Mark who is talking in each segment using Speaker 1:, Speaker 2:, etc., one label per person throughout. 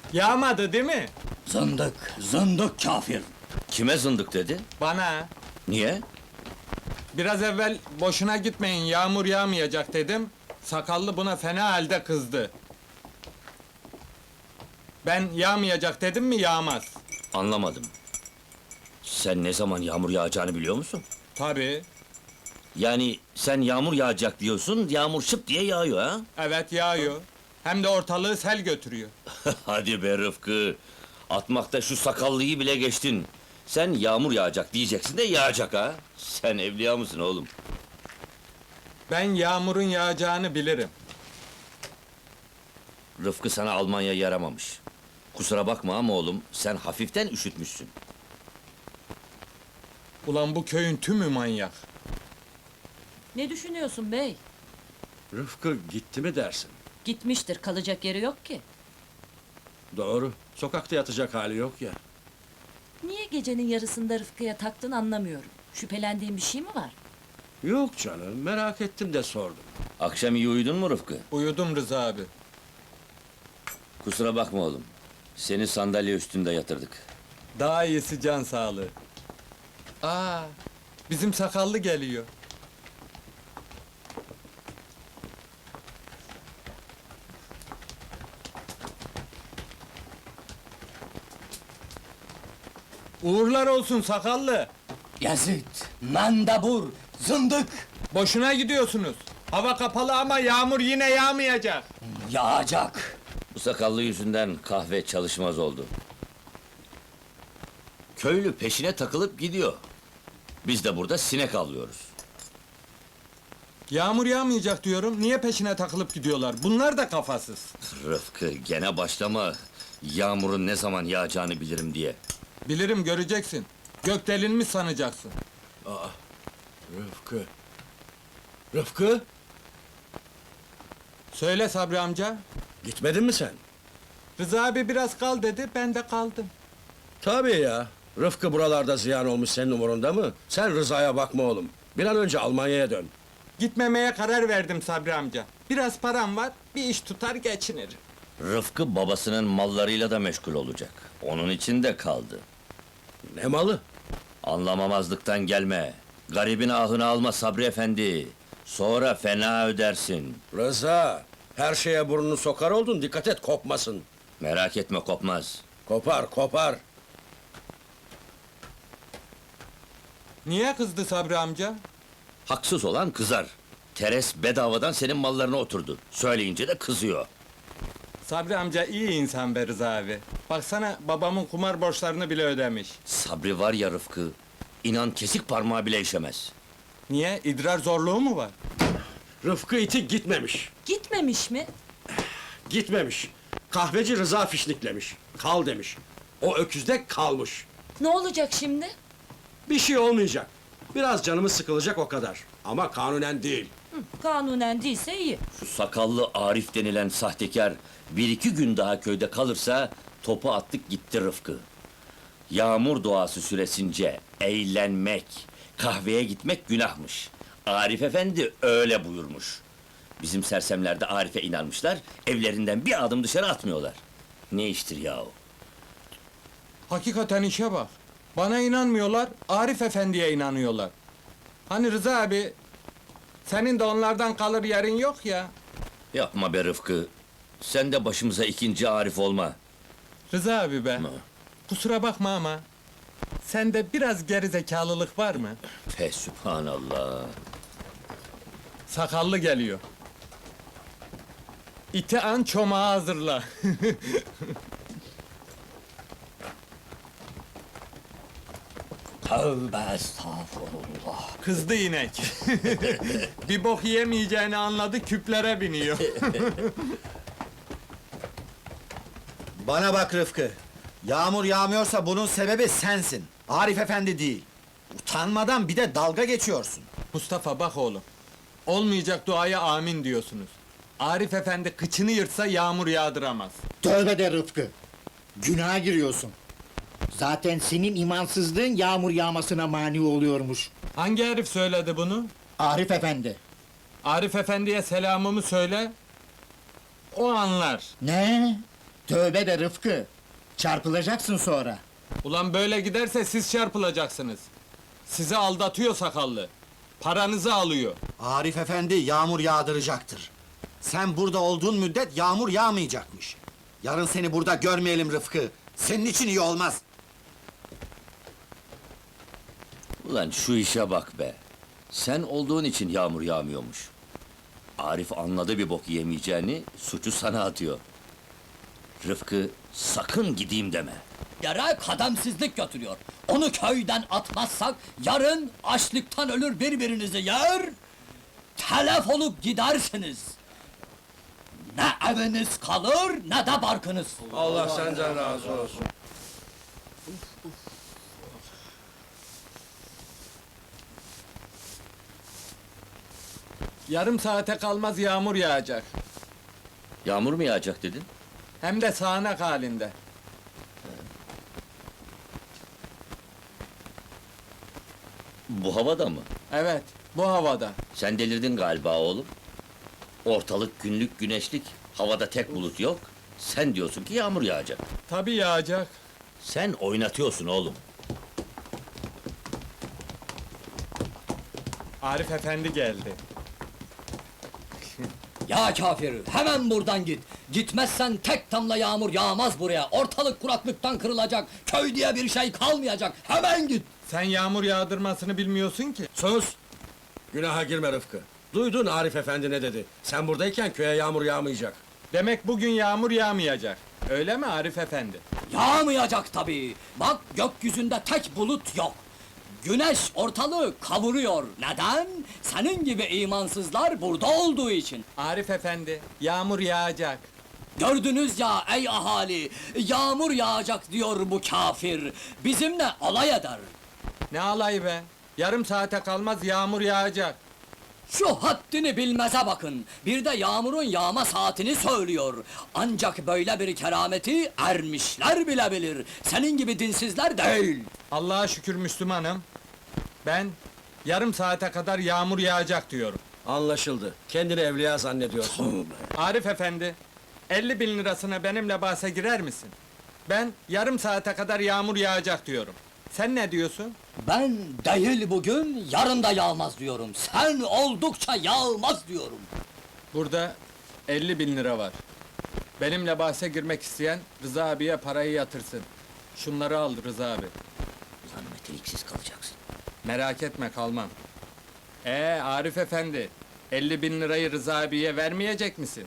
Speaker 1: Yağmadı değil mi?
Speaker 2: Zındık, zındık kafir!
Speaker 3: Kime zındık dedi?
Speaker 1: Bana.
Speaker 3: Niye?
Speaker 1: Biraz evvel boşuna gitmeyin, yağmur yağmayacak dedim. Sakallı buna fena halde kızdı. Ben yağmayacak dedim mi yağmaz.
Speaker 3: Anlamadım. Sen ne zaman yağmur yağacağını biliyor musun?
Speaker 1: Tabii.
Speaker 3: Yani sen yağmur yağacak diyorsun, yağmur şıp diye yağıyor ha?
Speaker 1: Evet yağıyor. Hem de ortalığı sel götürüyor.
Speaker 3: Hadi be Rıfkı! Atmakta şu sakallıyı bile geçtin. Sen yağmur yağacak diyeceksin de yağacak ha? Sen evliya mısın oğlum?
Speaker 1: Ben yağmurun yağacağını bilirim.
Speaker 3: Rıfkı sana Almanya yaramamış. Kusura bakma ama oğlum, sen hafiften üşütmüşsün.
Speaker 1: Ulan bu köyün tümü manyak.
Speaker 4: Ne düşünüyorsun bey?
Speaker 5: Rıfkı gitti mi dersin?
Speaker 4: Gitmiştir, kalacak yeri yok ki.
Speaker 5: Doğru, sokakta yatacak hali yok ya.
Speaker 4: Niye gecenin yarısında Rıfkı'ya taktın anlamıyorum. Şüphelendiğin bir şey mi var?
Speaker 5: Yok canım, merak ettim de sordum.
Speaker 3: Akşam iyi uyudun mu Rıfkı?
Speaker 1: Uyudum Rıza abi.
Speaker 3: Kusura bakma oğlum. Seni sandalye üstünde yatırdık.
Speaker 1: Daha iyisi can sağlığı. Aa, bizim sakallı geliyor. Uğurlar olsun sakallı.
Speaker 2: Yazıt, mendebur, zındık!
Speaker 1: Boşuna gidiyorsunuz. Hava kapalı ama yağmur yine yağmayacak.
Speaker 2: Yağacak!
Speaker 3: Bu sakallı yüzünden kahve çalışmaz oldu. Köylü peşine takılıp gidiyor. Biz de burada sinek avlıyoruz.
Speaker 1: Yağmur yağmayacak diyorum, niye peşine takılıp gidiyorlar? Bunlar da kafasız.
Speaker 3: Rıfkı, gene başlama. Yağmurun ne zaman yağacağını bilirim diye.
Speaker 1: Bilirim, göreceksin. Gök delinmiş sanacaksın.
Speaker 5: Rıfkı! Rıfkı!
Speaker 1: Söyle Sabri amca.
Speaker 5: Gitmedin mi sen?
Speaker 1: Rıza abi biraz kal dedi, ben de kaldım.
Speaker 5: Tabii ya. Rıfkı buralarda ziyan olmuş senin umurunda mı? Sen Rıza'ya bakma oğlum. Bir an önce Almanya'ya dön.
Speaker 1: Gitmemeye karar verdim Sabri amca. Biraz param var, bir iş tutar geçinirim.
Speaker 3: Rıfkı babasının mallarıyla da meşgul olacak. Onun için de kaldı.
Speaker 5: Ne malı?
Speaker 3: Anlamamazlıktan gelme. Garibin ahını alma Sabri efendi. Sonra fena ödersin.
Speaker 5: Rıza! Her şeye burnunu sokar oldun, dikkat et kopmasın.
Speaker 3: Merak etme, kopmaz.
Speaker 5: Kopar, kopar!
Speaker 1: Niye kızdı Sabri amca?
Speaker 3: Haksız olan kızar. Teres bedavadan senin mallarına oturdu. Söyleyince de kızıyor.
Speaker 1: Sabri amca iyi insan be Rıza abi. Baksana babamın kumar borçlarını bile ödemiş.
Speaker 3: Sabri var ya Rıfkı, inan kesik parmağı bile işemez.
Speaker 1: Niye? İdrar zorluğu mu var?
Speaker 5: Rıfkı iti gitmemiş.
Speaker 4: Gitmemiş mi?
Speaker 5: Gitmemiş. Kahveci Rıza fişniklemiş. Kal demiş. O öküzde kalmış.
Speaker 4: Ne olacak şimdi?
Speaker 5: Bir şey olmayacak. Biraz canımız sıkılacak o kadar. Ama kanunen değil.
Speaker 4: Kanunen değilse iyi.
Speaker 3: Şu sakallı Arif denilen sahtekar, bir iki gün daha köyde kalırsa, topu attık gitti Rıfkı. Yağmur doğası süresince eğlenmek, kahveye gitmek günahmış. Arif efendi öyle buyurmuş. Bizim sersemler de Arif'e inanmışlar, evlerinden bir adım dışarı atmıyorlar. Ne iştir yahu?
Speaker 1: Hakikaten işe bak. Bana inanmıyorlar, Arif Efendi'ye inanıyorlar. Hani Rıza abi, senin de onlardan kalır yerin yok ya.
Speaker 3: Yapma be Rıfkı, sen de başımıza ikinci Arif olma.
Speaker 1: Rıza abi be,
Speaker 3: Ma.
Speaker 1: kusura bakma ama... ...sende biraz gerizekalılık var mı?
Speaker 3: Fesübhanallah.
Speaker 1: Sakallı geliyor. İti an çomağı hazırla.
Speaker 2: Tövbe estağfurullah!
Speaker 1: Kızdı inek. Bir bok yemeyeceğini anladı, küplere biniyor.
Speaker 6: Bana bak Rıfkı. Yağmur yağmıyorsa bunun sebebi sensin. Arif Efendi değil. Utanmadan bir de dalga geçiyorsun.
Speaker 1: Mustafa bak oğlum. Olmayacak duaya amin diyorsunuz. Arif Efendi kıçını yırtsa yağmur yağdıramaz.
Speaker 7: Tövbe de Rıfkı! Günaha giriyorsun. Zaten senin imansızlığın yağmur yağmasına mani oluyormuş.
Speaker 1: Hangi herif söyledi bunu?
Speaker 7: Arif Efendi.
Speaker 1: Arif Efendi'ye selamımı söyle. O anlar.
Speaker 7: Ne? Tövbe de Rıfkı. Çarpılacaksın sonra.
Speaker 1: Ulan böyle giderse siz çarpılacaksınız. Sizi aldatıyor sakallı. Paranızı alıyor.
Speaker 6: Arif efendi yağmur yağdıracaktır. Sen burada olduğun müddet yağmur yağmayacakmış. Yarın seni burada görmeyelim Rıfkı. Senin için iyi olmaz.
Speaker 3: Ulan şu işe bak be. Sen olduğun için yağmur yağmıyormuş. Arif anladı bir bok yemeyeceğini, suçu sana atıyor. Rıfkı, sakın gideyim deme.
Speaker 2: Yere kademsizlik götürüyor. Onu köyden atmazsak yarın açlıktan ölür birbirinizi yer, telef olup gidersiniz. Ne eviniz kalır ne de barkınız.
Speaker 5: Allah senden razı olsun.
Speaker 1: Yarım saate kalmaz yağmur yağacak.
Speaker 3: Yağmur mu yağacak dedin?
Speaker 1: Hem de sağanak halinde.
Speaker 3: Bu havada mı?
Speaker 1: Evet, bu havada.
Speaker 3: Sen delirdin galiba oğlum. Ortalık günlük güneşlik, havada tek bulut yok. Sen diyorsun ki yağmur yağacak.
Speaker 1: Tabii yağacak.
Speaker 3: Sen oynatıyorsun oğlum.
Speaker 1: Arif efendi geldi.
Speaker 2: Ya kafir, hemen buradan git. Gitmezsen tek damla yağmur yağmaz buraya. Ortalık kuraklıktan kırılacak. Köy diye bir şey kalmayacak. Hemen git.
Speaker 1: Sen yağmur yağdırmasını bilmiyorsun ki.
Speaker 5: Sus! Günaha girme Rıfkı. Duydun Arif efendi ne dedi? Sen buradayken köye yağmur yağmayacak.
Speaker 1: Demek bugün yağmur yağmayacak. Öyle mi Arif efendi?
Speaker 2: Yağmayacak tabii. Bak gökyüzünde tek bulut yok. Güneş ortalığı kavuruyor. Neden? Senin gibi imansızlar burada olduğu için.
Speaker 1: Arif efendi, yağmur yağacak.
Speaker 2: Gördünüz ya ey ahali, yağmur yağacak diyor bu kafir. Bizimle alay eder.
Speaker 1: Ne alayı be? Yarım saate kalmaz yağmur yağacak.
Speaker 2: Şu haddini bilmeze bakın. Bir de yağmurun yağma saatini söylüyor. Ancak böyle bir kerameti ermişler bile bilir. Senin gibi dinsizler değil.
Speaker 1: Allah'a şükür Müslümanım. Ben yarım saate kadar yağmur yağacak diyorum.
Speaker 5: Anlaşıldı. Kendini evliya zannediyorsun.
Speaker 1: Arif efendi, 50 bin lirasına benimle bahse girer misin? Ben yarım saate kadar yağmur yağacak diyorum. Sen ne diyorsun?
Speaker 2: Ben değil bugün, yarın da yağmaz diyorum. Sen oldukça yağmaz diyorum.
Speaker 1: Burada 50 bin lira var. Benimle bahse girmek isteyen Rıza abiye parayı yatırsın. Şunları al Rıza abi.
Speaker 3: Ulan meteliksiz kalacaksın.
Speaker 1: Merak etme kalmam. Arif efendi, 50 bin lirayı Rıza abiye vermeyecek misin?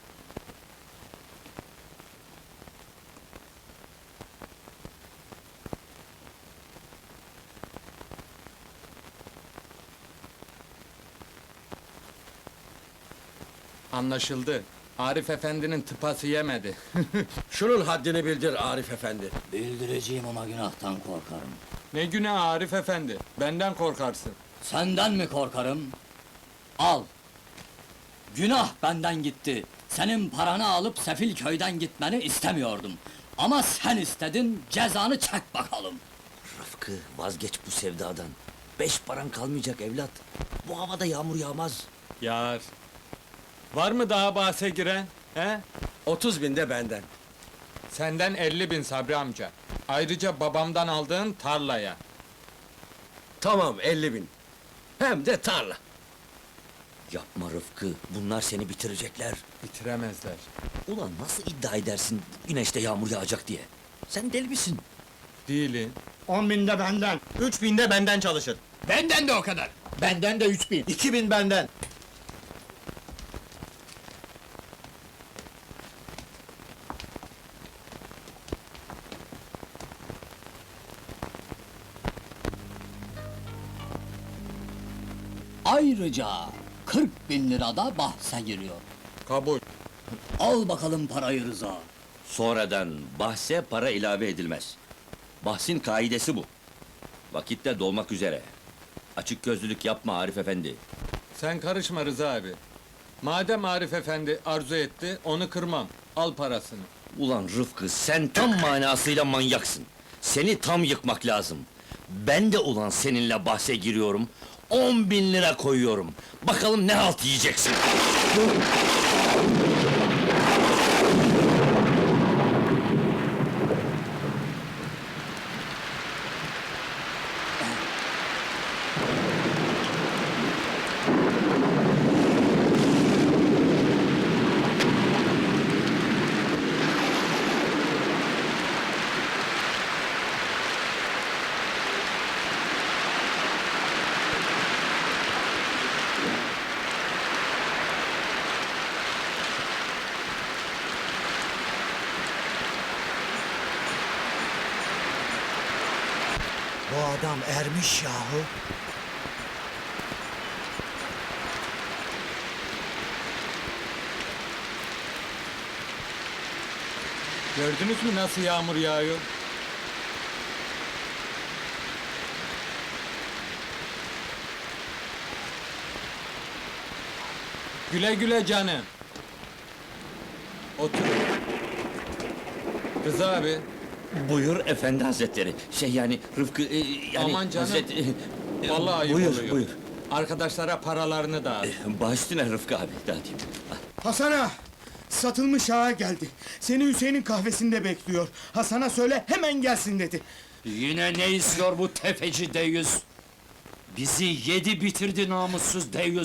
Speaker 1: Anlaşıldı. Arif efendinin tıpası yemedi.
Speaker 5: Şunun haddini bildir Arif efendi.
Speaker 2: Bildireceğim ama günahtan korkarım.
Speaker 1: Ne günah Arif efendi, benden korkarsın.
Speaker 2: Senden mi korkarım? Al. Günah benden gitti. Senin paranı alıp sefil köyden gitmeni istemiyordum. Ama sen istedin, cezanı çek bakalım.
Speaker 3: Rıfkı, vazgeç bu sevdadan. 5 paran kalmayacak evlat. Bu havada yağmur yağmaz.
Speaker 1: Yar. Var mı daha bahse giren? He?
Speaker 5: 30 bin de benden.
Speaker 1: Senden 50 bin Sabri amca. Ayrıca babamdan aldığın tarlaya.
Speaker 5: Tamam 50 bin. Hem de tarla.
Speaker 3: Yapma Rıfkı, bunlar seni bitirecekler.
Speaker 1: Bitiremezler.
Speaker 3: Ulan nasıl iddia edersin güneşte yağmur yağacak diye? Sen deli misin?
Speaker 1: Değilim.
Speaker 7: 10 bin de benden.
Speaker 1: 3 bin de benden çalışır.
Speaker 2: Benden de o kadar.
Speaker 7: Benden de 3 bin.
Speaker 6: 2000 benden.
Speaker 2: Ayrıca 40 bin lira da bahse giriyor.
Speaker 1: Kabul.
Speaker 2: Al bakalım parayı Rıza.
Speaker 3: Sonradan bahse para ilave edilmez. Bahsin kaidesi bu. Vakitte dolmak üzere. Açık gözlülük yapma Arif efendi.
Speaker 1: Sen karışma Rıza abi. Madem Arif efendi arzu etti, onu kırmam. Al parasını.
Speaker 3: Ulan Rıfkı, sen tam manasıyla manyaksın. Seni tam yıkmak lazım. Ben de ulan seninle bahse giriyorum. 10 bin lira koyuyorum. Bakalım ne halt yiyeceksin.
Speaker 6: Bu adam ermiş yahu.
Speaker 1: Gördünüz mü nasıl yağmur yağıyor? Güle güle canım. Otur. Rıza abi,
Speaker 3: Buyur efendi hazretleri. Şey yani Rıfkı yani
Speaker 1: Aman canım. vallahi ayıp
Speaker 3: buyur,
Speaker 1: oluyor.
Speaker 3: buyur.
Speaker 1: Arkadaşlara paralarını dağıt.
Speaker 3: Baş üstüne Rıfkı abi dağıtayım.
Speaker 8: Hasan ağa! Satılmış ağa geldi. Seni Hüseyin'in kahvesinde bekliyor. Hasan'a söyle hemen gelsin dedi.
Speaker 9: Yine ne istiyor bu tefeci deyyus? Bizi yedi bitirdi namussuz deyyus.